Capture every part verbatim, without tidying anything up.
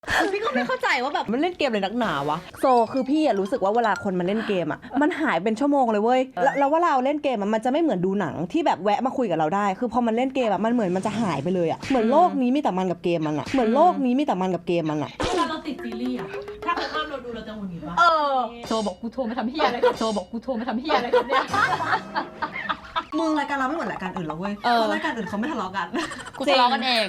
พี่ก็ไม่เข้าใจว่าแบบมันเล่นเกมเลยนักหนาวะโซคือพี่อะรู้สึกว่าเวลาคนมันเล่นเกมอะมันหายเป็นชั่วโมงเลยเว้ยแล้วว่าเราเล่นเกมมันจะไม่เหมือนดูหนังที่แบบแวะมาคุยกับเราได้คือพอมันเล่นเกมอะมันเหมือนมันจะหายไปเลยอะเหมือนโลกนี้มีแต่มันกับเกมมันอะเหมือนโลกนี้มีแต่มันกับเกมมันอะเวลาเราติดซีรีส์อะถ้าเขาห้ามเราดูเราจะหงุดหงิดปะเออโซบอกกูโทรมาทำเฮียอะไรกับโซบอกกูโทรมาทำเฮียอะไรกับเนี่ยมึงรายการเราไม่เหมือนรายการอื่นแล้วเว้ยเพราะรายการอื่นเขาไม่ทะเลาะกันกูทะเลาะกันเอง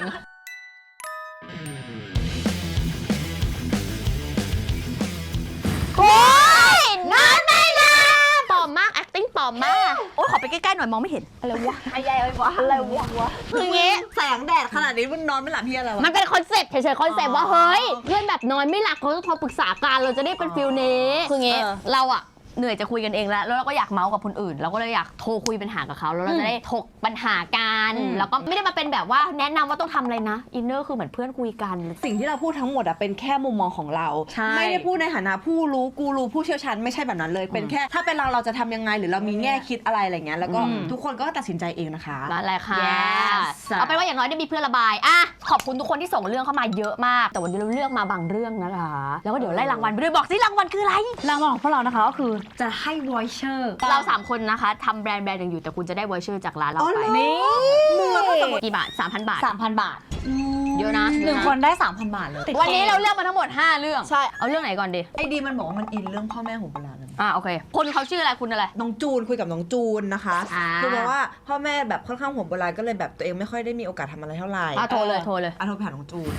โอ้ยนอนไม่หลับปลอมมาก acting ปลอมมากโอ้ยขอไปใกล้ๆหน่อยมองไม่เห็นอะไรวะอะไรวะอะไรวะคืองี้แสงแดดขนาดนี้มึงนอนไม่หลับเพี้ยอะไรวะมันเป็นคอนเซ็ปต์เฉยๆคอนเซ็ปต์ว่าเฮ้ยเพื่อนแบบนอนไม่หลับเขาต้องโทรปรึกษากันเราจะได้เป็นฟิลนี้คืองี้เราอะเหนื่อยจะคุยกันเองแล้วแล้วเราก็อยากเมาส์กับคนอื่นเราก็เลยอยากโทรคุยปัญหากับเขาแล้วเราจะได้ถกปัญหากันแล้วก็ไม่ได้มาเป็นแบบว่าแนะนำว่าต้องทำอะไรนะอินเนอร์คือเหมือนเพื่อนคุยกันสิ่งที่เราพูดทั้งหมดอะเป็นแค่มุมมองของเราไม่ได้พูดในฐานะผู้รู้กูรู้ผู้เชี่ยวชาญไม่ใช่แบบนั้นเลยเป็นแค่ถ้าเป็นเราเราจะทำยังไงหรือเรามีแง่คิดอะไรอะไรเงี้ยแล้วก็ทุกคนก็ตัดสินใจเองนะคะนั่นแหละค่ะเอาเป็นว่าอย่างน้อยได้มีเพื่อนระบายอ่ะขอบคุณทุกคนที่ส่งเรื่องเข้ามาเยอะมากแต่วันนี้เราเลือกมาบางเรื่องนะคะแล้วก็เดี๋ยวไล่รางวัลไปด้วยบอกสิรางวัลคืออะไรรางวัลของพวกเรานะคะก็คือจะให้ voucher เราสามคนนะคะทำแบรนด์แบรนด์หนึ่งอยู่แต่คุณจะได้ voucher จากร้านเราไปนี่กี่บาท สามพัน บาทสามพัน บาทเยอะนะหนึ่งคนได้ สามพัน บาทเลยวันนี้เราเลือกมาทั้งหมดห้าเรื่องใช่เอาเรื่องไหนก่อนดีไอดีมันบอกว่ามันอินเรื่องพ่อแม่ของโบราณอ่าโอเคคนเขาชื่ออะไรคุณอะไรน้องจูนคุยกับน้องจูนนะคะคือบอกว่าพ่อแม่แบบค่อนข้างห่วงโบราณก็เลยแบบตัวเองไม่ค่อยได้มีโอกาสทำอะไรเท่าไหร่อ่ะโทรเลยโทรเลยอ่ะโทรไปหาน้องจูน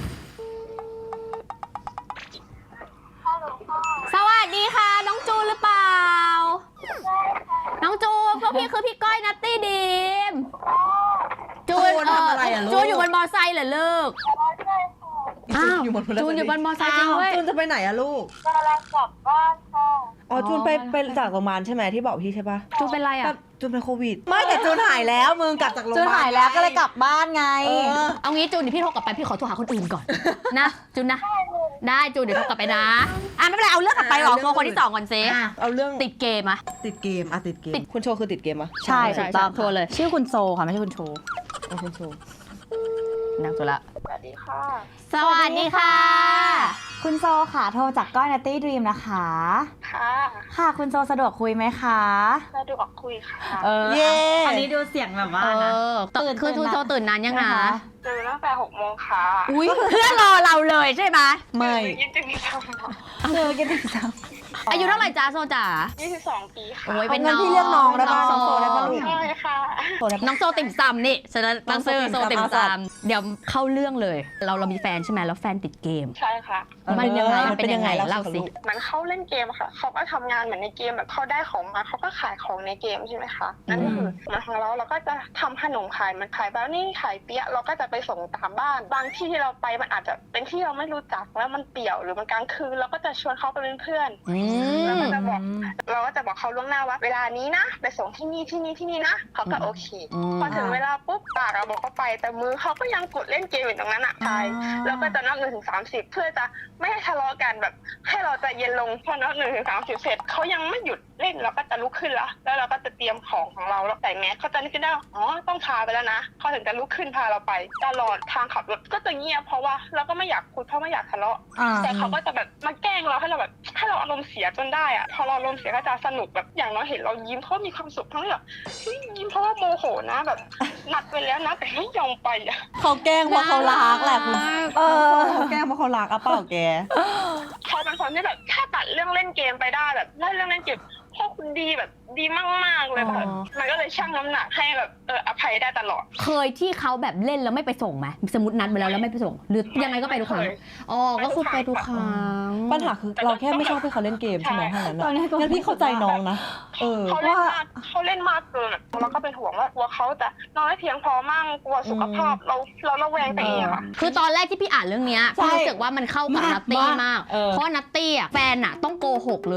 สวัสดีค่ะน้องจูนหรือเปล่าน้องจูนพวกพี่คือพี่ก้อยนัตตี้ดีมจูนทำอะไรอ่ะลูกจูนอยู่บนมอไซค์เหรอลูกอ้าวจูนอยู่บนมอไซค์จริงเว้ยจูนจะไปไหนอะลูกกำลังกลับบ้านค่ะอ๋อจูนไปไปจากโรงพยาบาลใช่ไหมที่บอกพี่ใช่ปะจูนเป็นไรอะจูนเป็นโควิดไม่แต่จูนหายแล้วมึงกลับจากโรงพยาบาลจูนหายแล้วก็เลยกลับบ้านไงเอางี้จูนเดี๋ยวพี่โทรกลับไปพี่ขอโทรหาคนอื่นก่อนนะจูนนะได้จูนเดี๋ยวโทรกลับไปนะอ่ะไม่เป็นไรเอาเรื่องกลับไปหรอโทรคนที่สองก่อนเซเอาเรื่องติดเกมอะติดเกมอะติดเกมคุณโชคือติดเกมปะใช่ถูกต้องโทรเลยชื่อคุณโซค่ะไม่ใช่คุณโชคุณโชนั่งตัวละสวัสดีค่ะสวัสดีค่ะคุณโซค่ะโทรจากก้อยนัตตี้ดรีมนะคะค่ะค่ะคุณโซสะดวกคุยไหมคะสะดวกคุยค่ะเออเย้อันนี้ดูเสียงแบบว่านะตื่นคือคุณโซตื่นนานยังนะตื่นตั้งแต่หกโมงค่ะอุ้ยเพื่อนรอเราเลยใช่ไหมไม่ยี่สิบสองเออกินติ่มซำอายุเท่าไหร่จ้าโซจ๋ายี่สิบสองปีค่ะโอ้ยเป็นน้องพี่เรียกน้องได้ป่ะน้องโซได้ป่ะลูกใช่ค่ะน้องโซติ่มซำนี่ฉันตั้งชื่อโซติ่มซำเดี๋ยวเข้าเรื่องเลยเราเรามีแฟนใช่ไหมแล้วแฟนติดเกมใช่ค่ะมันยังไงมันเป็นยังไงเล่าสิมันเขาเล่นเกมค่ะเขาก็ทำงานเหมือนในเกมแบบเขาได้ของมาเขาก็ขายของในเกมใช่ไหมคะนั่นก็คือมาของเราเราก็จะทำขนมขายมันขายแบบนี้ขายเปี๊ยะเราก็จะไปส่งตามบ้านบางที่ที่เราไปมันอาจจะเป็นที่เราไม่รู้จักแล้วมันเปี่ยวหรือมันกลางคืนเราก็จะชวนเขาไปเป็นเพื่อนแล้วก็จะบอกเราก็จะบอกเขาล่วงหน้าว่าเวลานี้นะไปส่งที่นี่ที่นี่ที่นี่นะเขาก็โอเคพอถึงเวลาปุ๊บปากเราบอกเขาไปแต่มือเขาก็ยังกดเล่นเกมอยู่ตรงนั้นอ่ะใช่แล้วก็จะนับหนึ่งถึงสามสิบเพื่อจะไม่ให้ทะเลาะกันแบบให้เราใจเย็นลงพอนับหนึ่งถึงสามสิบเสร็จเขายังไม่หยุดเล่นเราก็จะลุกขึ้นละแล้วเราก็จะเตรียมของของเราแล้วใส่แมสเขาจะนึกขึ้นได้อ๋อต้องพาไปแล้วนะเขาถึงจะลุกขึ้นพาเราไปตลอดทางขับรถก็จะเงียบเพราะว่าเราก็ไม่อยากคุยเพราะไม่อยากทะเลาะแต่เขาก็จะแบบมาแกล้งเราให้เราแบบให้เราอารมณ์เสียจนได้อะพอเราอารมณ์เสียก็จะสนุกแบบอย่างน้อยเห็นเรายิ้มเขามีความสุขทั้งที่แบบยิ้มเพราะว่าโมโหนะแบบนัดไปแล้วนะแต่ไม่ยอมไปอะเขาแกล้งเพราะเขารักแหละคุณเออเขาแกล้งเพราะเขารักอะเปล่าแกเขาเป็นคนที่แบบถ้าตัดเรื่องเล่นเกมไปได้แบบเล่นเรื่องเล่นเกมพ่อคุณดีแบบดีมากๆเลยแบบมันก็เลยชั่งน้ำหนักให้แบบเอออภัยได้ตลอดเคยที่เขาแบบเล่นแล้วไม่ไปส่งไหมสมมตินัดไปแล้วแล้วไม่ไปส่งหรือยังไงก็ไปทุกครั้งอ๋อก็คือไปทุกครั้งปัญหาคือเราแค่ไม่ชอบให้เขาเล่นเกมใช่ไหมเท่านั้นนะงั้นพี่เข้าใจน้องนะเออเขาเล่นมากเขาเล่นมากเกินเราก็เป็นห่วงว่ากลัวเขาจะนอนไม่เพียงพอมั่งกลัวสุขภาพเราเราระแวงไปเองอะคือตอนแรกที่พี่อ่านเรื่องนี้พี่รู้สึกว่ามันเข้ากับนัตตี้มากเพราะนัตตี้อะแฟนอะต้องโกหกเลยอะ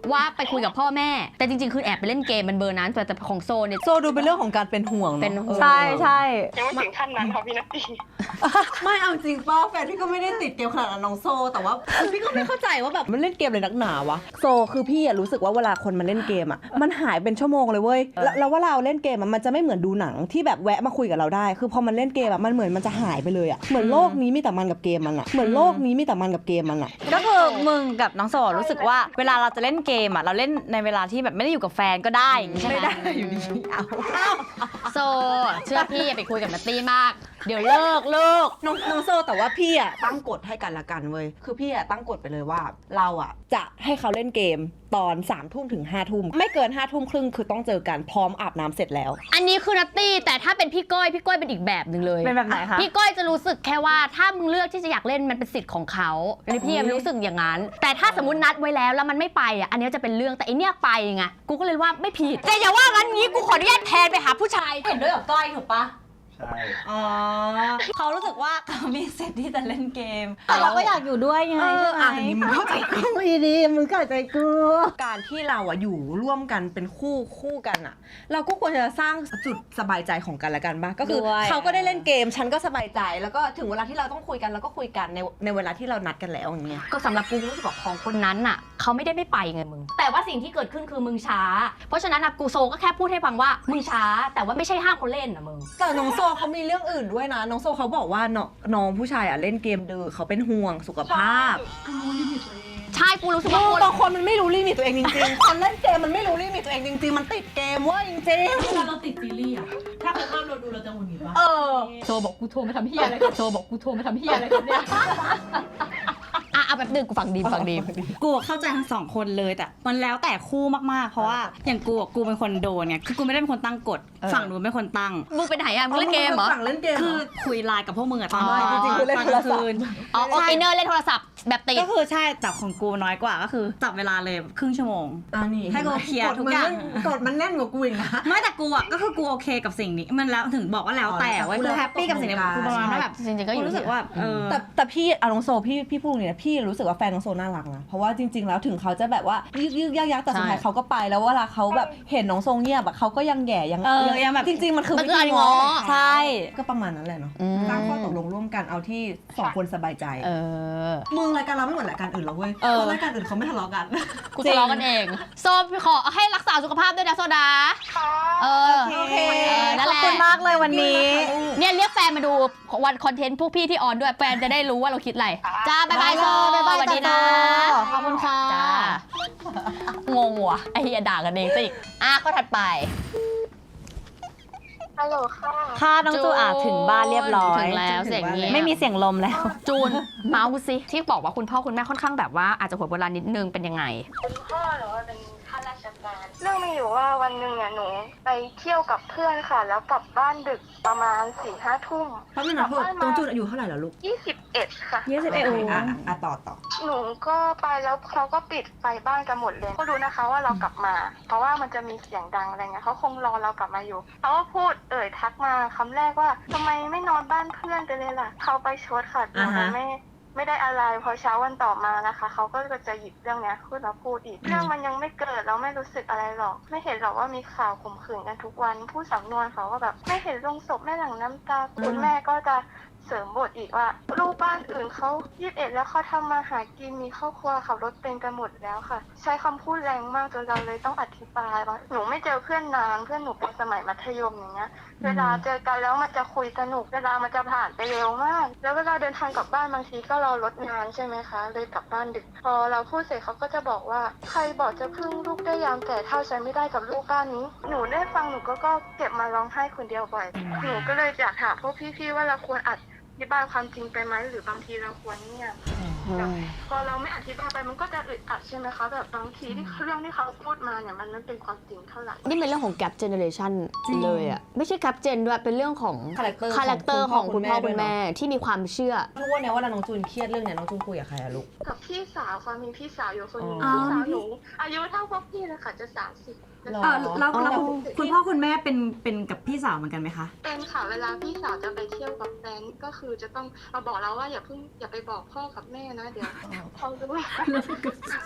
ว่าไปคุยกับพ่อแม่แต่จริงๆคือแอบไปเล่นเกมมันเบอร์นั้นแต่แต่ของโซเนี่ยโซดูเป็นเรื่องของการเป็นห่วงเป็นเนาะห่วงใช่ใช่ยังไม่ถึงขั้นนั้นค่ะพี่นัตตี้ไม่เอาจริงป้าแฟนพี่ก็ไม่ได้ติดเกมขนาดนั้นน้องโซแต่ว่าพี่ก็ไม่เข้าใจว่าแบบมันเล่นเกมเลยนักหนาวะโซคือพี่อะรู้สึกว่าเวลาคนมันเล่นเกมอะมันหายเป็นชั่วโมงเลยเว้ยแล้วแล้วเวลาเราเล่นเกมอะมันจะไม่เหมือนดูหนังที่แบบแวะมาคุยกับเราได้คือพอมันเล่นเกมอะมันเหมือนมันจะหายไปเลยอะเหมือนโลกนี้มีแต่มันกับเกมมันอะเหมือนโลกนี้มีแต่มันกับเกมมันอะก็คือมึงกับน้องโซรู้สึกว่าเวลาเราจะเล่นเกมอ่ะเราเล่นในเวลาที่แบบไม่ได้อยู่กับแฟนก็ได้อย่างงี้ใช่ไหมไม่ได้อยู่ดีเอาโซเชื่อพี่อย่าไปคุยกับนัตตี้มาก เดี๋ยวเลิกเลิกน้องน้องโซแต่ว่าพี่อะตั้งกฎให้กันละกันเว้ยคือพี่อะตั้งกฎไปเลยว่า เราอะจะให้เขาเล่นเกมตอนสามทุ่มถึงห้าทุ่มไม่เกินห้าทุ่มครึ่งคือต้องเจอกันพร้อมอาบน้ำเสร็จแล้วอันนี้คือนัตตี้แต่ถ้าเป็นพี่ก้อยพี่ก้อยเป็นอีกแบบหนึ่งเลยเป็นแบบไหนคะพี่ก้อยจะรู้สึกแค่ว่าถ้ามึงเลือกที่จะอยากเล่นมันเป็นสิทธิ์ของเขาอันนี้พี่ยังรู้สึกอย่างนั้น แต่ถ้าสมมตินัดไว้แล้วแล้วมันไม่ไปอ่ะอันนี้จะเป็นเรื่องแต่ไอเนี้ยไปไงกูก็เลยว่าไม่ผิดแต่อย่าว่างั้นงี้กูขออนุญาตแทนไปหาผู้ชายเห็นด้วยกับก้อยถูกปะใช่อ๋อเขารู้สึกว่าเขามีสิทธิ์ที่จะเล่นเกมแต่เราก็อยากอยู่ด้วยไงเออใช่ไหมอ่ะอันนี้มึงเข้าใจกูอีดีมึงเข้าใจกูการที่เราอะอยู่ร่วมกันเป็นคู่คู่กันอะเราก็ควรจะสร้างจุดสบายใจของกันและกันบ้างก็คือด้วยเขาก็ได้เล่นเกมฉันก็สบายใจ แล้วก็ถึงเวลาที่เราต้องคุยกันเราก็คุยกันในในเวลาที่เรานัดกันแล้วอย่างเงี้ยก็สำหรับกูรู้สึกว่าของคนนั้นน่ะเขาไม่ได้ไม่ไปไงมึงแต่ว่าสิ่งที่เกิดขึ้นคือมึงช้า เพราะฉะนั้นนะกูโซก็แค่พูดให้ฟังว่ามึงช้า แต่ว่าไม่ใช่ห้ามคนเล่นนะมึงแต่น้องโซเขามีเรื่องอื่นด้วยนะน้องโซเขาบอกว่าน้องน้องผู้ชายอะเล่นเกมเดือเขาเป็นห่วงสุขภาพใช่กูรู้สึกมึว่างคนบางคนมันไม่รู้ลิมิตตัวเองจริงๆคนเล่นเกมมันไม่รู้ลิมิตตัวเองจริงๆมันติดเกมเว่าจริงเวลาเราติดซีรีส์อะถ้าเขาห้ามเราดูเราจะหงุดหงิดปะๆเออโซบอกกูโทรมาทำเฮียอะไรกันโซบอกกูโทรมาทำเฮียอะไรกันเนี่ยอ่ะเอาแบบหนึ่งกูฟังดีฟังดีกูเข้าใจทั้งสองคนเลยแต่มันแล้วแต่คู่มากๆ เพราะว่าอย่างกูอะกูเป็นคนโดนไงคือกูไม่ได้เป็นคนตั้งกฎเออฝั่งนู้นเป็นคนตั้งมึงเป็นไหนอ่ะมึงเล่นเกมเหรอฝั่งเล่นเกมคือคุยไลน์กับพวกมึงอะตอนอ๋อจริงๆคือเล่นโทรศัพท์ตอนกลางคืนอ๋อโอเคเนอร์เล่นโทรศัพท์แบบติดก็คือใช่แต่ของกูน้อยกว่าก็คือจับเวลาเลยครึ่งชั่วโมงอ่านี่ให้กูเคลียร์ทุกอย่างกดมันแน่นกว่ากูอีกนะไม่แต่กูอะก็คือกูโอเคกับสิ่งนี้มันแล้วถึงบอกว่าแล้วแต่อ๋อเว้ยคือแฮปปี้กับสิ่งนี้กูประมาณว่าแบบจริงๆก็อยู่กูรู้สึกว่าเออแต่แต่พี่อาน้องโซพี่พี่พูดอย่างนี้นะพี่รู้สึกว่าแฟนน้องโซน่ารักนะเพราะว่าจริง ๆ แล้วถึงเขาจะแบบว่ายึกยึกยักยักแต่สุดท้ายเขาก็ไปแล้วเวลาเขาแบบเห็นน้องโซเงียบอะเขาก็ยังแหย่ยังเออยังแบบจริง ๆ มันคือมันวิคือธีการง้อง้อใช่ก็ประมาณนั้นแหละเนาะอืมสร้างข้อตกลงร่วมกันเอาที่สองคนสบายใจเออมึงรายการเราไม่เหมือนรายการอื่นหรอกเว้ยเออเพราะรายการอื่นเขาไม่ทะเลาะกันกูทะเลาะกันเอง โซขอให้รักษาสุขภาพด้วยนะโซดาค่ะเออโอเคเออนั่นขแหอบละคุณมากเลยวันนี้เนี่ยเรียกแฟนมาดูวันคอนเทนต์พวกพี่ที่ออนด้วยแฟนจะได้รู้ว่าเราคิดอะไร จ้าบ๊ายบายโซบ๊ายบายสวัสดีนะจ้าขอบคุณค่ะจ้างงว่ะไอเฮียด่ากันเองซะอีกอ่ะข้อถัดไปฮัลโหลค่ะค่ะน้องจูอาถึงบ้านเรียบร้อยถึงแล้วเสียงเงียบไม่มีเสียงลมแล้วจูน เมาส์สิที่บอกว่าคุณพ่อคุณแม่ค่อนข้างแบบว่าอาจจะหัวโบราณนิดนึงเป็นยังไงคุณพ่อหนูเป็นข้าราชการ เรื่องมีอยู่ว่าวันหนึ่งเนี่ยหนูไปเที่ยวกับเพื่อนค่ะ แล้วกลับบ้านดึกประมาณสี่ห้าทุ่มเพราะมันนะเพื่อนตรงจุดอายุเท่าไหร่แล้วลูกยี่สิบเอ็ดค่ะยี่สิบเอ็ดอ่ะอ่ะต่อต่อหนูก็ไปแล้วเขาก็ปิดไฟบ้านกันหมดเลยก็รู้นะคะว่าเรากลับมา เพราะว่ามันจะมีเสียงดังอะไรเงี้ยเขาคงรอเรากลับมาอยู่เขาก็พูดเอ่ยทักมาคำแรกว่าทำไมไม่นอนบ้านเพื่อนกันเลยล่ะเขาไปชดค่ะหนูเลยไม่ไม่ได้อะไรพอเช้าวันต่อมานะคะเขาก็จะหยิบเรื่องเนี้ยขึ้นมาพูดอีกเรื่องมันยังไม่เกิดเราไม่รู้สึกอะไรหรอกไม่เห็นหรอกว่ามีข่าวข่มขืนกันทุกวันผู้สำนวนเขาก็แบบไม่เห็นลงศพแม่หลังน้ำตาคุณแม่ก็จะเสริมบทอีกว่าลูกบ้านอื่นเขายี่สิบเอ็ดแล้วเขาทำมาหากินมีครอบครัวขับรถเป็นกันหมดแล้วค่ะ ใช้คำพูดแรงมากจนเราเลยต้องอธิบายว่าหนูไม่เจอเพื่อนนานเพื่อนหนูเป็นสมัยมัธยมอย่างเงี้ยเวลาเจอกันแล้วมันจะคุยสนุกเวลามันจะผ่านไปเร็วมาก แล้วเวลาเดินทางกลับบ้านบางทีก็รอรถนานใช่ไหมคะเลยกลับบ้านดึกพอเราพูดเสร็จเขาก็จะบอกว่าใครบอกจะพึ่งลูกได้ยามแต่เท่าฉันไม่ได้กับลูกบ้านนี้หนูได้ฟังหนูก็ก็เก็บมาร้องไห้คนเดียวบ่อยหนูก็เลยอยากถามพวกพี่ๆว่าเราควรอัดอธิบายความจริงไปไหมหรือบางทีเราควรเงียบแบบพอเราไม่อธิบายไปมันก็จะอึดอัดใช่ไหมคะแบบบางทีที่เรื่องที่เขาพูดมาเนี่ยมันไม่เป็นความจริงเท่าไหร่นี่เป็นเรื่องของ gap generation เลยอะไม่ใช่ gap gen ด้วยเป็นเรื่องของ character คาแรคเตอร์ของคุณพ่อด้คุวยณเนอะแม่ที่มีความเชื่อทุกวันเนี้ยเวลาน้องจูนเครียดเรื่องเนี้ยน้องจูนคุยกับใครอะลูกกับพี่สาวค่ะมีพี่สาวอยู่คนหนึงอ๋อพี่สาวหนูอายุเท่าพวกพี่เลยค่ะจะสามสิบหรอเออแล้วแล้วอ๋อคุณพ่อคุณแม่เป็นเป็นกับพี่สาวเหมือนกันไหมคะเป็นค่ะเวลาพี่สาวจะไปเที่ยวกับแฟนก็คือจะต้องมาบอกเราว่าอย่าเพิ่งอย่าไปบอกพ่อกับแม่นะเดี๋ยวเขารู้ถ้าเป็น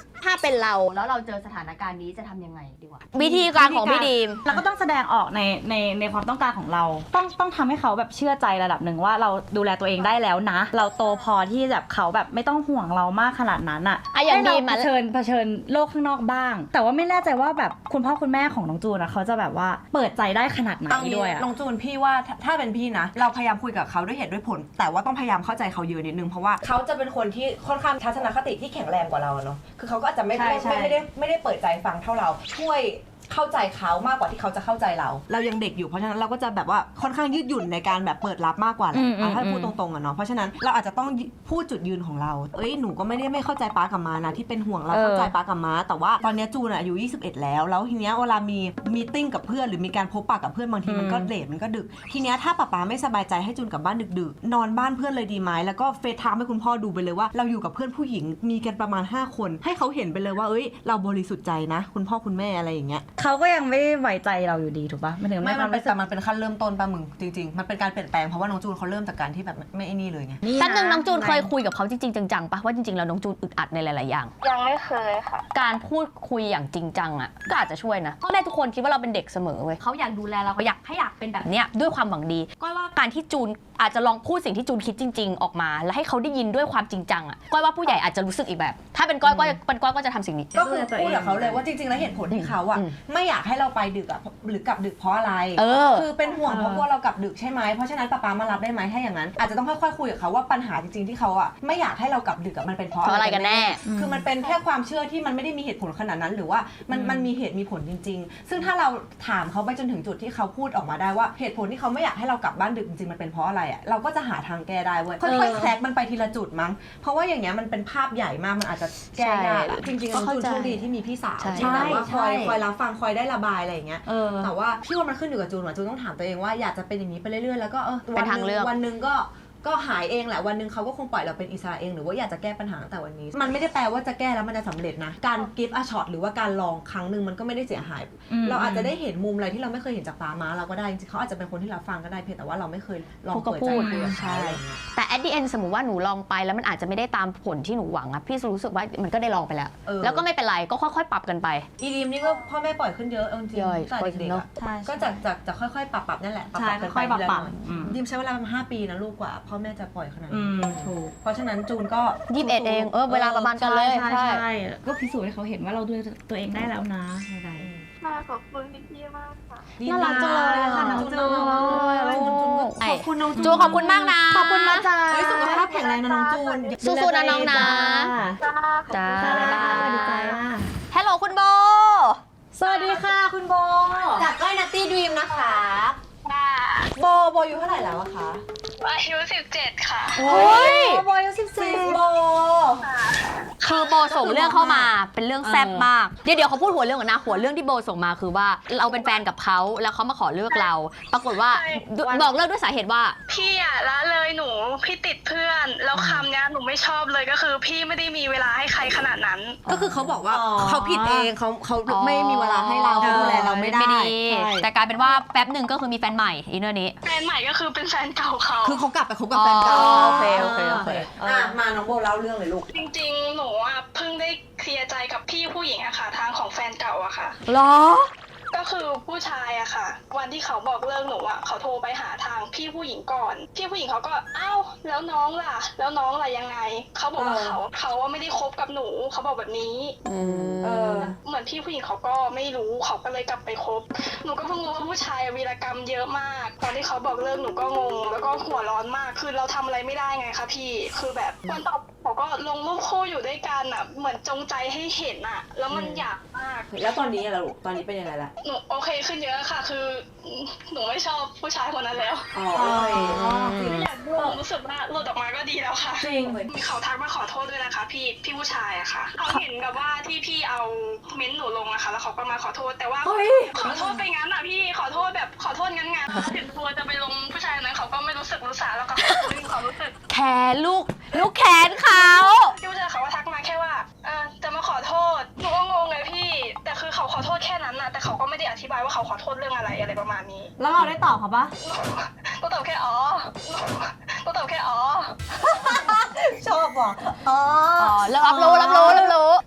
เป็นเราแล้วเราเจอสถานการณ์นี้จะทำยังไงดีกว่าวิธีการของพี่ดีมเราก็ต้องแสดงออกในในในความต้องการของเรา ต้องต้องทำให้เขาแบบเชื่อใจระดับหนึ่งว่าเราดูแลตัวเองได้แล้วนะ เราโตพอที่แบบเขาแบบไม่ต้องห่วงเรามากขนาดนั้นอ่ะอ่ะอย่างให้เราดีมเผอะชิญเผชิญโลกข้างนอกบ้าง แต่ว่าไม่แน่ใจว่าแบบคุณพ่อคุณแม่ของน้องจูนนะเขาจะแบบว่าเปิดใจได้ขนาดไหนเอางี้ด้วยอะน้องจูนพี่ว่าถ้าถ้าเป็นพี่นะ เราพยายามคุยกับเขาด้วยเหตุด้วยผล แต่ว่าต้องพยายามเข้าใจเขาเยอะนิดนึงเพราะว่าเขาจะเป็นคนที่ค่อนข้างทัศนคติที่แข็งแรงกว่าเราเนาะคือเขาก็อาจจะไม่ใช่ไม่ใช่ไม่ได้ไม่ได้เปิดใจฟังเท่าเราช่วยเข้าใจเขามากกว่าที่เขาจะเข้าใจเรา เรายังเด็กอยู่เพราะฉะนั้นเราก็จะแบบว่าค่อนข้างยืดหยุ่นในการแบบเปิดรับมากกว่าแหละอ่ะถ้าพูดตรงๆอะเนาะเพราะฉะนั้นเราอาจจะต้องพูดจุดยืนของเราเอ้ยหนูก็ไม่ได้ไม่เข้าใจป้ากับม้านะที่เป็นห่วงเราเข้าใจป้ากับม้าแต่ว่าตอนนี้จูนอะอายุยี่สิบเอ็ดแล้วแล้วทีเนี้ยเวลามีมีติ้งกับเพื่อนหรือมีการพบปะกับเพื่อนบางทีมันก็เลทมันก็ดึกทีเนี้ยถ้าป้าป๊าไม่สบายใจให้จูนกลับบ้านดึกๆนอนบ้านเพื่อนเลยดีไหมแล้วก็เฟซไทม์ให้คุณพ่อดูไปเลยว่าเราอยู่กับเพื่อนผู้หญิงมีกันประมาณห้าคนให้เขาเห็นไปเลยว่าเอ้ยเราบริสุทธิ์ใจนะคุณพ่อคุณแม่อะไรอย่างเงี้ยเขาก็ยังไม่ไว้ใจเราอยู่ดีถูกปะไม่ถึงไม่คมัวาน มเป็นรู้สึแต่กมันเป็นขั้นเริ่มต้นป่ะมึงจริงๆมันเป็นการเปลี่ยนแปลงเพราะว่าน้องจูนเขาเริ่มจากการที่แบบไม่ไอ้นี่เลยไงแป๊บนึงน้องจูนเคยคุยกับเขาจริงๆจังๆปะว่าจริงๆแล้วน้องจูนอึดอัดในหลายๆอย่างยังไม่เคยค่ะการพูดคุยอย่างจริงจังอ่ะก็อาจจะช่วยนะพ่อแม่ทุกคนคิดว่าเราเป็นเด็กเสมอเว้ยเขาอยากดูแลเราเขาอยากให้อยากเป็นแบบเนี้ยด้วยความหวังดีก็ว่าการที่จูนอาจจะลองพูดสิ่งที่จูนคิดจริง ๆ ออกมา แล้วให้เขาได้ยินด้วยความจริงจังอ่ะก้อยว่าผู้ใหญ่อาจจะรู้สึกอีกแบบ ถ้าเป็นก้อยก็เป็นก้อยก็จะทำสิ่งนี้ก็คือพูดกับเขาเลยว่าจริงๆแล้วเหตุผลที่เขาอะอืมไม่อยากให้เราไปดึกอะหรือกลับดึกเพราะอะไรเออคือเป็นห่วงเพราะกลัวเรากลับดึกใช่ไหมเพราะฉะนั้นป๊าป๊ามารับได้ไหมถ้าอย่างนั้นอาจจะต้องค่อยๆคุยกับเขาว่าปัญหาจริงๆที่เขาอะไม่อยากให้เรากลับดึกอะมันเป็นเพราะเพราะอะไรกันแน่คือมันเป็นแค่ความเชื่อที่มันไม่ได้มีเหตุผลขนาดนั้น หรือว่ามันมันมีเหตุมีผลจริง ๆ ซึ่งถ้าเราถามเขาไปจนถึงจุดที่เขาพูดออกมาได้ว่าเหตุผลที่เขาไม่อยากให้เรากลับบ้านดึกจริงๆมันเป็นเพราะอะไรอะเราก็จะหาทางแก้ได้เว้ยค่อยๆแคร็กมันไปทีละจุดมั้งเพราะว่าอย่างเงี้ยมันเป็นภาพใหญ่มากมันอาจจะแก้ยากอะจริงๆน้องจูนโชคดีที่มีพี่สาวใช่ที่แบบว่าคอยใช่คอยรับฟังคอยได้ระบายอะไรอย่างเงี้ยเออแต่ว่าพี่ว่ามันขึ้นอยู่กับจูนว่ะจูนต้องถามตัวเองว่าอยากจะเป็นอย่างนี้ไปเรื่อยๆแล้วก็เออเป็นทางเลือกวันหนึ่งก็ก็หายเองแหละวันหนึ่งเขาก็คงปล่อยเราเป็นอิสระเองหรือว่าอยากจะแก้ปัญหาตั้งแต่วันนี้ มันไม่ได้แปลว่าจะแก้แล้วมันจะสำเร็จนะการ give a shot หรือว่าการลองครั้งหนึ่งมันก็ไม่ได้เสียหายอืมเราอาจจะได้เห็นมุมอะไรที่เราไม่เคยเห็นจากป้าม้าเราก็ได้จริงๆเขาอาจจะเป็นคนที่เราฟังก็ได้เพียงแต่ว่าเราไม่เคยลองพูดก็เปิดพูใจดคุยกับใช่เขาอะไรอย่างเงี้ยแต่ at the end สมมติว่าหนูลองไปแล้วมันอาจจะไม่ได้ตามผลที่หนูหวังอะพี่รู้สึกว่ามันก็ได้ลองไปแล้วเออแล้วก็ไม่เป็นไรก็ค่อยๆ ปรับกันไปอีดีมนี่ก็พ่อแม่ปล่อยขึ้นเยอะเอาจริงย่อยๆตั้งแต่เด็กๆเนอะอะใช่ก็จากจากจะค่อยๆปรับปรับนั่นแหละปรับใช่ปรับกันค่อยๆปรับทีละปรับหน่อยอืมดิมใช้เวลาประมาณห้าปีนะลูกกว่าพ่อแม่จะปล่อยขนาดอืนี้มถูกเพราะฉะนั้นจูนก็ยี่สิบเอ็ดเองเออเวลาประมาณกันเลยใช่ใช่ใช่ก็พิสูจน์ให้เขาเห็นว่าเราดูแลตัวเองได้แล้วนะอะไรค่ะขอบคุณพี่ๆมากค่ะน่ารักจังเลยอะค่ะน้องจูนน่ารักจังเลยขอบคุณน้องจูนจูนขอบคุณมากนะขอบคุณนะจ๊ะเฮ้ยสุขภาพแข็งแรงนะน้องจูนสู้ๆนะน้องนะจ้าจ้าจ้าบ๊ายบายสวัสดีจ้าฮัลโหลคุณโบสวัสดีค่ะคุณโบจากก้อยนัตตี้ดรีมนะคะค่ะโบโบอายู่เท่าไหร่แล้วอะคะอายุสิบเจ็ดค่ะโอ้ยโบอายุสิบซิสี่สโบคือโบส่งเรื่องเข้ามาเป็นเรื่องแซ่บมาก เดี๋ยวเดี๋ยวเขาพูดหัวเรื่องก่อนนะ หัวเรื่องที่โบส่งมาคือว่าเราเป็นแฟนกับเขาแล้วเขามาขอเลิกเรา ปรากฏว่าใช่บอกเลิกด้วยสาเหตุว่าพี่อะละเลยหนูพี่ติดเพื่อนแล้วคำเนี้ยหนูไม่ชอบเลยก็คือพี่ไม่ได้มีเวลาให้ใครขนาดนั้นก็คือเขาบอกว่าอ๋อเขาผิดเองเขาเขาไม่มีเวลาให้เราเขาดูแลเราไม่ได้ไม่ดีใช่แต่กลายเป็นว่าแป๊บหนึ่งก็คือมีแฟนใหม่อีเนอร์นี้แฟนใหม่ก็คือเป็นแฟนเก่าเขาคือเขากลับไปคบกับแฟนเก่าอ๋อโอเคโอเคโอเคอ่ะมาน้องโบเล่าเรื่องเลยลูกจริงๆ หนูอะเพิ่งได้เคลียร์ใจกับพี่ผู้หญิงอะค่ะทางของแฟนเก่าอะค่ะหรอก็คือผู้ชายอะค่ะ วันที่เขาบอกเลิกหนูอะเขาโทรไปหาทางพี่ผู้หญิงก่อน พี่ผู้หญิงเขาก็อ้าวแล้วน้องล่ะ แล้วน้องล่ะยังไง เขาบอกว่าเออเขาเขาว่าไม่ได้คบกับหนูเขาบอกแบบนี้อืมเออเหมือนพี่ผู้หญิงเขาก็ไม่รู้เขาก็เลยกลับไปคบ หนูก็เพิ่งรู้ว่าผู้ชายวีรกรรมเยอะมาก ตอนที่เขาบอกเลิกหนูก็งง แล้วก็หัวร้อนมาก คือเราทำอะไรไม่ได้ไงคะพี่ คือแบบวันต่อเขาก็ลงรูปคู่อยู่ด้วยกันอะเหมือนจงใจให้เห็นอะแล้วมันอยากมากแล้วตอนนี้อะลูกตอนนี้เป็นยังไงล่ะหนูโอเคขึ้นเยอะค่ะ คือหนูไม่ชอบผู้ชายคนนั้นแล้วอ๋อโอเคอ๋อจริงไม่อยากดูรู้สึกว่าหลุดออกมาก็ดีแล้วค่ะจริงเขาทักมาขอโทษด้วยนะคะ พี่พี่ผู้ชายอะค่ะเขาเห็นกับว่าที่พี่เอาเม้นต์หนูลงอะค่ะแล้วเขาก็มาขอโทษแต่ว่าเฮ้ยขอโทษไปงั้นอะพี่ขอโทษแบบขอโทษงั้นงั้นถึงตัวจะไปลงผู้ชายคนนั้นเขาก็ไม่รู้สึกรู้สาแล้วก็ไม่มีความรู้สึกแขนลูก ลูกแขนเขาพี่ผู้ชายเขาก็ทักมาแค่ว่าเออจะมาขอโทษหนูก็งงเลยพี่ แต่คือเขาขอโทษแค่นั้นนะแต่เขาก็ไม่ได้อธิบายว่าเขาขอโทษเรื่องอะไรอะไรประมาณนี้แล้วเราได้ตอบเขาปะก็ตอบแค่อ๋อก็ตอบแค่อ๋อชอบว่ะอ๋ออ๋อแล้วรับรู้รับรู้รับรู้แต่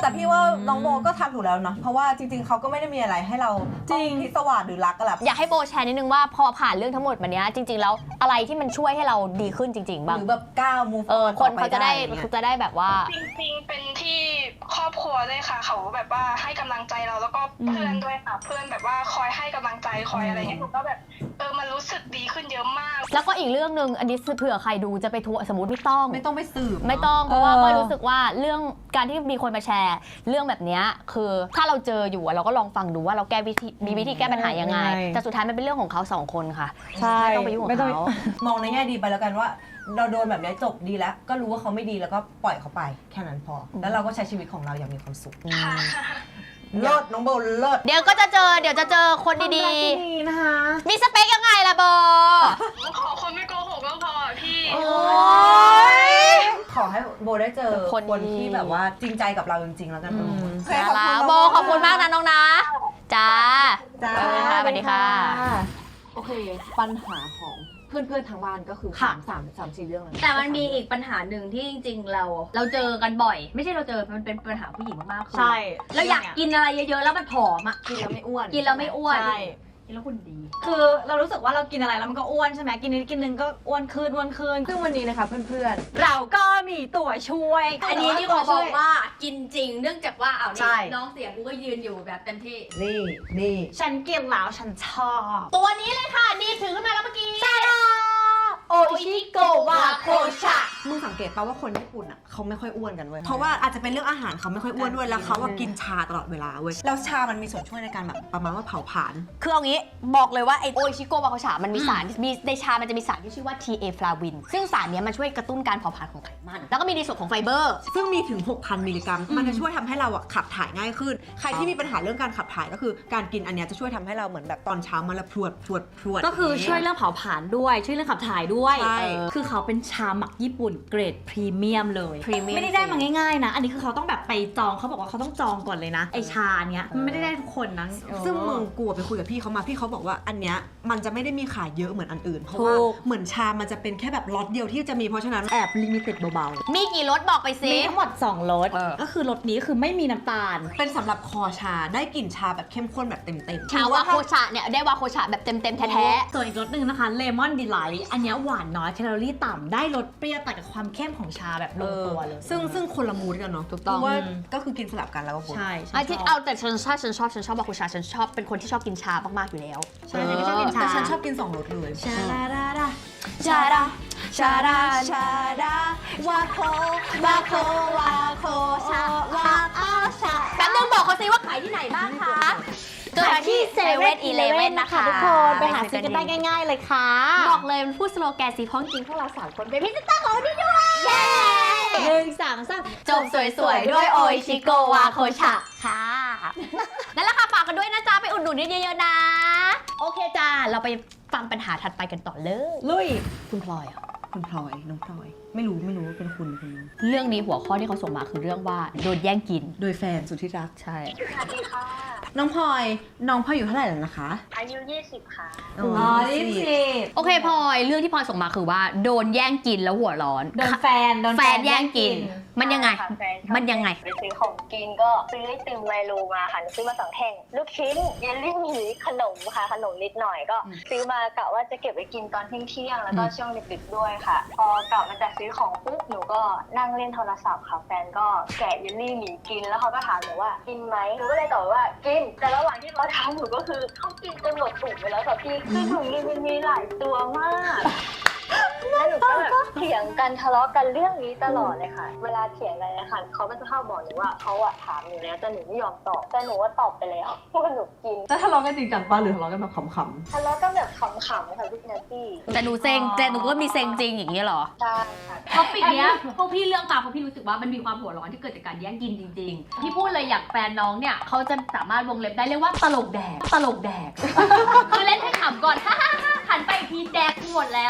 พี่ว่าน้องโบก็ทำถูกแล้วเนาะเพราะว่าจริงๆเขาก็ไม่ได้มีอะไรให้เราจริงพิศวาสหรือรักกันแหละอยากให้โบแชร์นิดนึงว่าพอผ่านเรื่องทั้งหมดมาเนี้ยจริงๆแล้วอะไรที่มันช่วยให้เราดีขึ้นจริงๆบ้างหรือแบบก้าว move เออ on คนเขาจะได้ต่อปเขาจะได้แบบว่าจริงๆเป็นที่ครอบครัวด้วยค่ะเขาแบบว่าให้กำลังใจเราแล้วก็เพื่อนด้วยค่ะเพื่อนแบบว่าคอยให้กำลังใจคอยอะไรเงี้ยหนูก็แบบเออมันรู้สึกดีขึ้นเยอะมากแล้วก็อีกเรื่องหนึ่งอันนี้เผื่อใครดูจะไปทัวร์สมมติไม่ต้องไม่ต้องไปสืบไม่ต้องเพราะว่าเออก็รู้สึกว่าเรื่องการที่มีคนมาแชร์เรื่องแบบเนี้ยคือถ้าเราเจออยู่อะเราก็ลองฟังดูว่าเราแก้วิธีมีวิธีแก้ปัญหายังไง แต่สุดท้ายมันเป็นเรื่องของเขาสองคนค่ะใช่ไม่ต้องไปยุ่งกับเขามองในแง่ดีไปแล้วกันว่า เราโดนแบบนี้จบดีแล้ว ก็รู้ว่าเขาไม่ดีแล้วก็ปล่อยเขาไปแค่นั้นพอ แล้วเราก็ใช้ชีวิตของเราอย่างมีความสุขเลิศน้องโบเลิศเดี๋ยวก็จะเจอเดี๋ยวจะเจอคนดีๆนะคะมีสเปคยังไงล่ะโบขอคนไม่โกหกก็พอพี่โอ้ยขอให้โบได้เจอคนคนที่แบบว่าจริงใจกับเราจริงๆแล้วกันโบน่ารักโบขอบคุณมากนะน้องนะจ้าจ้าสวัสดีค่ะโอเค ปัญหาของเพื่อนๆทางบ้านก็คือสามสามสามสี่เรื่องเลยแต่มันมีอีกปัญหาหนึ่งที่จริงๆเราเราเจอกันบ่อย ไม่ใช่เราเจอมันเป็นปัญหาผู้หญิงมากๆคือใช่เราอยากกินอะไรเยอะๆแล้วมันผอมอ่ะกินแล้วไม่อ้วนกินแล้วไม่อ้วนใช่กินแล้วคุณดีคือเรารู้สึกว่าเรากินอะไรแล้วมันก็อ้วนใช่ไหมกินนิดกินนึงก็อ้วนขึ้นอ้วนขึ้นซึ่งวันนี้นะคะเพื่อนเราก็มีตัวช่วยอันนี้ที่ขอบอกว่ากินจริงเนื่องจากว่าเอาใช่นี่น้องเสียกูก็ยืนอยู่แบบเต็มที่ๆ นี่นี่ฉันกินแล้วฉันชอบตัวนี้เลยค่ะนี่ถือขึ้นมาแล้วเมื่อกี้โอชิโกวาโคชะมึงสังเกตป่าว่าคนญี่ปุ่นอ่ะเขาไม่ค่อยอ้วนกันเว้ย เพราะว่าอาจจะเป็นเรื่องอาหารเขาไม่ค่อยอ้วนด้วย แล้วเขาว่ากินชาตลอดเวลาเว้ย แล้วชามันมีส่วนช่วยในการแบบประมาณว่าเผาผลาญคือเอางี้บอกเลยว่าไอโออิชิโกะวาโคชะมันมีสารมีในชามันจะมีสารที่ชื่อว่า ที เอ ฟลาวิน ซึ่งสารเนี้ยมันช่วยกระตุ้นการเผาผลาญของไขมัน แล้วก็มีในส่วนของไฟเบอร์ซึ่งมีถึง หกพัน มิลลิกรัม มันจะช่วยทำให้เราอะขับถ่ายง่ายขึ้น ใครที่มีปัญหาเรื่องการขับถ่ายก็คือการกินอันเนี้ยจะช่วยทำให้เราเหมือนแบบตอนเช้ามาละพรวดพรวดพรวดก็คือช่วยเรื่องเผาผลาญด้วยช่วยเรื่องขับถ่ายด้วยใช่เออคือเขาเป็นชาหมักญี่ปุ่นเกรดพรีเมียมเลยพรีเมียมไม่ได้ได้มาง่ายๆนะ อันนี้คือเขาต้องแบบไปจองเขาบอกว่าเขาต้องจองก่อนเลยนะไอชาเนี้ยมันไม่ได้ได้ทุกคนนะซึ่งมึงกลัวไปคุยกับพี่เขามาพี่เขาบอกว่าอันเนี้ยมันจะไม่ได้มีขายเยอะเหมือนอันอื่น เพราะว่าถูกเหมือนชามันจะเป็นแค่แบบล็อตเดียวที่จะมีเพราะฉะนั้นแอบลิมิเต็ดเบาๆมีกี่รสบอกไปสิมีทั้งหมดสองรสเออก็คือรสนี้คือไม่มีน้ำตาลเป็นสำหรับคอชาได้กลิ่นชาแบบเข้มข้นแบบเต็มๆชาวาโคชะเนี่ยได้วาโคชะแบบเต็มๆแท้ส่วนอีกรสหนึ่งนะคะเลมอนดีไลท์อันเนี้ยหวานน้อยแคลอรี่ต่ำได้รสเปรี้ยวแต่กับความเข้มของชาแบบลงตัวเลยซึ่งซึ่งคนละมูดกันเนาะถูกต้องว่าก็คือกินสลับกันแล้วก็บนใช่ๆไอที่เอาแต่ฉันชอบฉันชอบฉันชอบวาโคชะฉันชอบเป็นคนที่ชอบกินชามากๆอยู่แล้วใช่ฉันก็ชอบกินชาแต่ฉันชอบกินสองรสเลยชาดาดาดาชาดาชาดาชาดาวาโควาโควาโคชาวาโคชาแป๊บนึงบอกเขาสิว่าขายที่ไหนบ้างคะเกิดที่เซเว่นอีเลเว่นนะคะทุกคนไปหาซื้อกันได้ง่ายๆเลยค่ะบอกเลยมันพูดสโลแกนสีพ้องจริงพวกเราสามคนเป็นพรีเซนเตอร์ของวันนี้ด้วยหนึ่งสามสามจบสวยๆ ด้วยโออิชิโกวาโคชะค่ะ นั่นแหละค่ะฝากกันด้วยนะจ๊ะ ไปอุดหนุนเยอะๆนะ โอเคจ้า เราไปฟังปัญหาถัดไปกันต่อเลยลุยคุณพลอยอะคุณพลอยน้องพลอย ไม่รู้ไม่รู้ว่าเป็นคุณคุณน้องเรื่องนี้หัวข้อที่เขาส่งมาคือเรื่องว่าโดนแย่งกินโดยแฟนสุดที่รักใช่สวัสดีค่ะน้องพลอยน้องพลอยอยู่เท่าไหร่แล้วนะคะอายุยี่สิบค่ะอ๋อ๋อยี่สิบโอเคพลอยเรื่องที่พลอยส่งมาคือว่าโดนแย่งกินแล้วหัวร้อนโดนแฟนโดนแฟนแย่งกิน มันยังไงค่ะแฟชอบมันยังไงไปซื้อของกินก็ซื้อไอติมไมโลมาค่ะซื้อมาสองแท่งลูกชิ้นเยลลี่หมีขนมค่ะขนมนิดหน่อยก็ ซื้อมากะว่าจะเก็บไว้กินตอนเที่ยงๆแล้วก็ช่วงดึกๆด้วยค่ะ พอกลับมาจากซื้อของปุ๊บหนูก็นั่งเล่นโทรศัพท์ค่ะแฟนก็แกะเยลลี่หมีกินแล้วเขาก็ถามหนูว่ากินไหมหนูก็เลยตอบว่ากินแต่ระหว่างที่เขาถามหนูก็คือเขากินจนหมดถุงไปแล้วค่ะพี่คือถุงนึงมันมีหลายตัวมาก แล้วหนูก็แบบเถียงกันทะเลาะกันเรื่องนี้ตลอดเลยค่ะ เวลาเถียงกันนะคะเขาก็จะเข้าบอกหนูว่าเขาอะถามหนูแล้วแต่หนูไม่ยอมตอบแต่หนูว่าตอบไปแล้วว่าหนูกินแล้วทะเลาะกันจริงจังป่ะหรือทะเลาะกันแบบขำทะเลาะกันแบบขำๆค่ะพี่นาตี้แต่หนูเซ็งแต่หนูก็มีเซ็งจริงอย่างนี้เหรอใช่ค่ะท็อปิกเนี้ยพวกพี่เลือกมาเพราะพี่รู้สึกว่ามันมีความหัวร้อนที่เกิดจากการแย่งกินจริงๆ พี่พูดเลยอย่างแฟนน้องเนี่ยเขาจะสามารถวงเล็บได้เรียกว่าตลกแดก ตลกแดก คือเล่นให้ขำก่อน ฮ่าฮ่าฮ่าหันไปอีกทีแดกหมดแล้ว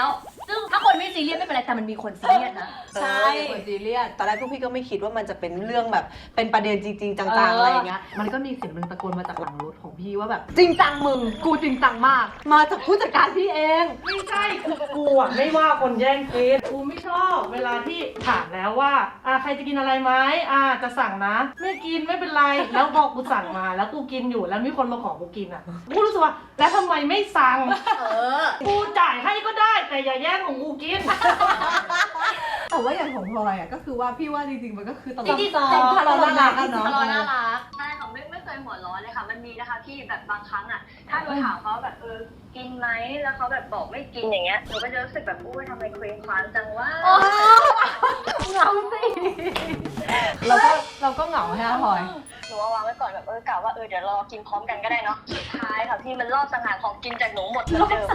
ซึ่งถ้าคนไม่ซีเรียสไม่เป็นไรแต่มันมีคนซีเรียสนะใช่คนซีเรียสตอนแรกพวกพี่ก็ไม่คิดว่ามันจะเป็นเรื่องแบบเป็นประเด็นจริงๆจังๆอะไรอย่างเงี้ยมันก็มีเสียงมันตะโกนมาจากหลังรถของพี่ว่าแบบจริงจังมึงกูจริงจังมาก มาจากผู้จัดการพี่เองไม่ใช่คือกูอ่ะไม่ว่าคนแย่งกินกูไม่ชอบเวลาที่ถามแล้วว่าอ่าใครจะกินอะไรไหมอ่าจะสั่งนะไม่กินไม่เป็นไรแล้วพอกูสั่งมาแล้วกูกินอยู่แล้วมีคนมาขอกูกินอ่ะกูรู้สึกว่าแล้วทำไมไม่สั่งเออกูจ่ายให้ก็ได้แต่อย่าแย่งของกูกินแต่ว่าอย่างของพลอยอ่ะก็คือว่าพี่ว่าจริงๆมันก็คือตลจกริงๆตลกเราน่ารักอะทะเนาะเลาะน่ารักใช่ค่ะไม่ไม่เคยหัวร้อนเลยค่ะ มันมีนะคะพี่แบบบางครั้งอ่ะ ถ้าหนูถามเขาแบบเออกินไหมแล้วเขาแบบบอกไม่กินอย่างเงี้ยหนูก็จะรู้สึกแบบอุ้ยทำไมเคว้งคว้างจังว่าเหงาสิเราก็เราก็เหงาใช่ไหมพลอยหนูเอาวางไว้ก่อนแบบเออกะว่าเออเดี๋ยวรอกินพร้อมกันก็ได้เนาะสุดท้ายค่ะพี่มันรอบสังหารของกินจากหนูหมดเหมือนเดิม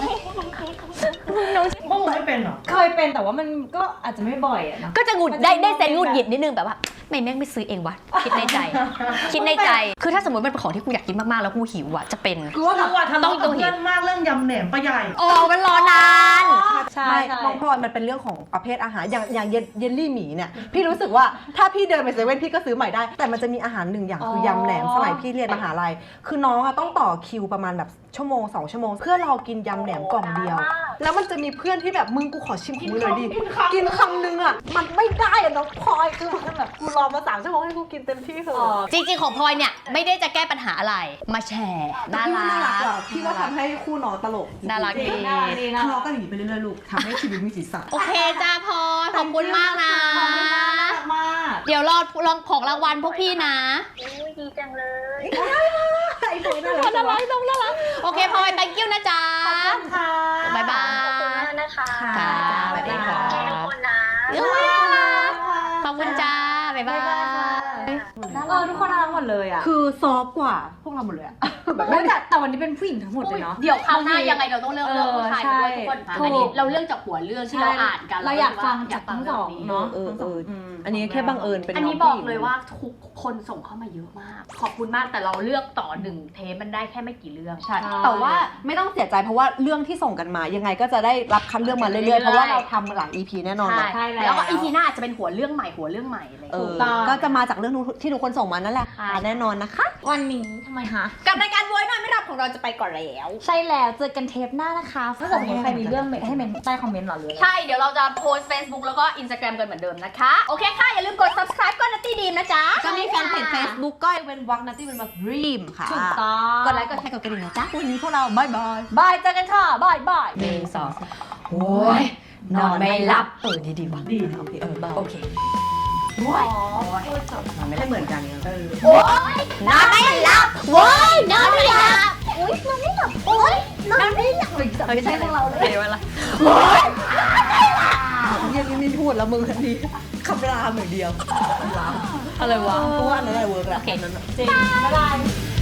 พวกมึงไม่เป็นเหรอเคยเป็นแต่ว่ามันก็อาจจะไม่บ่อยอะเนาะก็จะหงุดได้ได้เซนหงุดหงิดนิดนึงแบบว่าไม่แม่งไม่ซื้อเองวะคิดในใจ คิดในใจ คือถ้าสมมติมันเป็นของที่กูอยากกินมากๆแล้วกูหิวอะจะเป็นกูว่ากูอะทะเลาะกับเพื่อนมากเรื่องยำแหนมปลาใหญ่โอ้มันรอนานใช่ไม่ใช่น้องพลอยมันเป็นเรื่องของประเภทอาหารอย่างอย่างเยลเยลลี่หมีเนี่ยพี่รู้สึกว่าถ้าพี่เดินไปเซเว่นพี่ก็ซื้อใหม่ได้ แต่มันจะมีอาหารหนึ่งอย่างคือยำแหนมสมัยพี่เรียนมหาลัยคือน้องอะต้องต่อคิวประมาณแบบชั่วโมงสองชั่วโมงเพื่อรอกินยำแหนมกล่องเดียว แล้วมันจะมีเพื่อนที่แบบมึงกูขอชิมของมึงหน่อยดิกินคำนึงอะมันไม่ได้อะน้องพลอยคือมันแบบกูรอมาสามชั่วโมงให้กูกินเต็มที่เถอะจริงๆของพลอยเนี่ยไม่ได้จะแก้ปัญหาอะไรมาแชร์น่าพี่ว่าน่ารัรักกอะพี่ว่าทำให้คู่น้องตลกน่ารักดีทะเลาะกันอย่างนี้ไปเรื่อยๆลูกทำให้ชีวิตมีสีสันโอเคจ้าพลอยขอบคุณมากนะมากเดี๋ยวรอลองของรางวัลพวกพี่นะอุ้ยดีจังเลยไอ้พลอยน่ารักน่ารักน้องน่ารักโอเคพลอย thank you นะจ๊ะค่ะบ๊ายบาขอบคุณยมากนะคะค่ะบ๊ายบายค่ะทุกคนนะเอ้ยน่ารักขอบคุณจ้า บ๊ายบายเออทุกคนน่ารักหมดเลยอ่ะคือซอฟต์กว่าพวกเราหมดเลยอะแต่แต่วันนี้เป็นผู้หญิงทั้งหมดเลยเนาะเดี๋ยวคราวหน้ายังไงเราต้องเลือกเรื่องผู้ชายด้วยทุกคนถูกอันนี้เราเลือกจากหัวเรื่องที่เราอ่านกันเราอยากฟังจากทั้งสองเนาะเออเอออันนี้แค่บังเอิญเป็นอันนี้งบอกผู้หญิงเลยว่าทุกคนส่งเข้ามาเยอะมาก ขอบคุณมากแต่เราเลือกต่อหนึ่งเทปมันได้แค่ไม่กี่เรื่องใช่แต่ว่าไม่ต้องเสียใจเพราะว่าเรื่องที่ส่งกันมา ยังไงก็จะได้รับคัดเรื่องมาเรื่อยๆ เพราะว่าเราทำหลาย อี พี แน่นอนใช่นะใช่แล้วแล้วก็อีพีหน้าอาจจะเป็นหัวเรื่องใหม่หัวเรื่องใหม่อะไรอย่างเอเงี้ยอต้องก็จะมาจากเรื่องที่ทุกคนส่งมานั่นแหละค่ะแน่นอนนะคะวันนี้ทำไมคะกับรายการโวยหน่อยไม่รับของเราจะไปก่อนแล้วใช่แล้วเจอกันเทปหน้านะคะถ้าเกิดมีใครมีเรื่องเมนให้เมนใต้คอมเมนต์หรอหรืออะไรใช่ เดี๋ยวเราจะโพสต์ Facebook แล้วก็ Instagram กันเหมือนเดิมนะคะ โอเคค่ะ อย่าลืมกด subscribe ก็นัตตี้ดีมนะจ๊ะก็มีแฟนเพจ Facebook ก็เป็นวักนัตตี้เป็นวักดรีมค่ะถูกต้องกดไลค์กดแชร์กดกระดิ่งนะจ๊ะวันนี้พวกเราบายบายบายเจอกันค่ะบายบายหนึ่งสองโอ้ยนอนไม่หลับ เออดีดีว่ะดีโอเคเออโอเคไม่เหมือนกันเออนอนไม่หลับโว้ยนอนไม่หลับอุ้ยนอนไม่หลับโอ้ยนอนไม่หลับไม่ใช่พวกเราเลยเวลายังไม่พูดแล้วมึงอันนี้คำรามอย่างเดียวอะไรวะเพราะว่าอันนั้นอะไรเวิร์กแหละโอเคจริงบ๊ายบาย